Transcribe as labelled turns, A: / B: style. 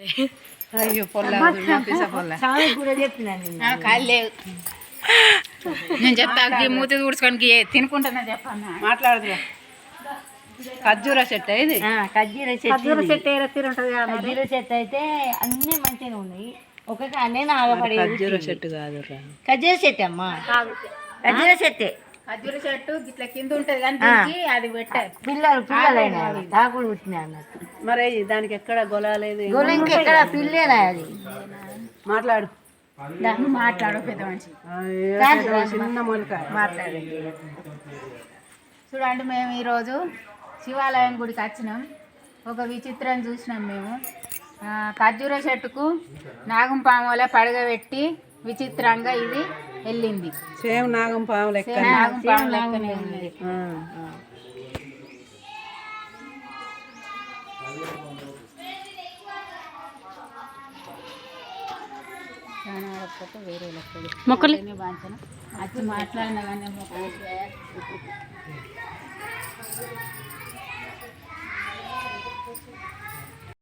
A: అయ్యో పొల్ల కాలేదు నేను చెప్తా మూతి ఊడ్చుకోనికి తినుకుంటున్నా చెప్పన్నా మాట్లాడదుగా ఖర్జూర చెట్టు ఇది ఖర్జూర చెట్టు ఖర్జూర చెట్టు అయితే అన్ని మంచిగా ఉన్నాయి ఒకటి అన్నీ ఆగపడే ఖర్జూర చెట్టు కాదు ఖర్జూర చెట్టు అమ్మా ఖర్జూర చెట్టే ఖర్జూర చెట్టు ఇట్లా కింద ఉంటది కానీ అది పెట్టారు పిల్లలైన తాకులు పుట్టినాయి అన్నట్టు మరి దానికి ఎక్కడ గొలలేదు గొల ఇంకెక్కడ పిల్లేనా అది మాట్లాడు మాట్లాడు పెద్ద మనిషి చిన్న మొలక మాట్లాడండి చూడండి మేము ఈరోజు శివాలయం గుడికి వచ్చినాం ఒక విచిత్రం చూసినాం మేము ఖర్జూర చెట్టుకు నాగం పాముల పడగబెట్టి విచిత్రంగా ఇది వెళ్ళింది సేమ్ నాగం పాము లెక్క నాగం పాము లెక్కనే ఉంది వేరే మొక్కలు బాగా వచ్చి మాట్లాడినా కానీ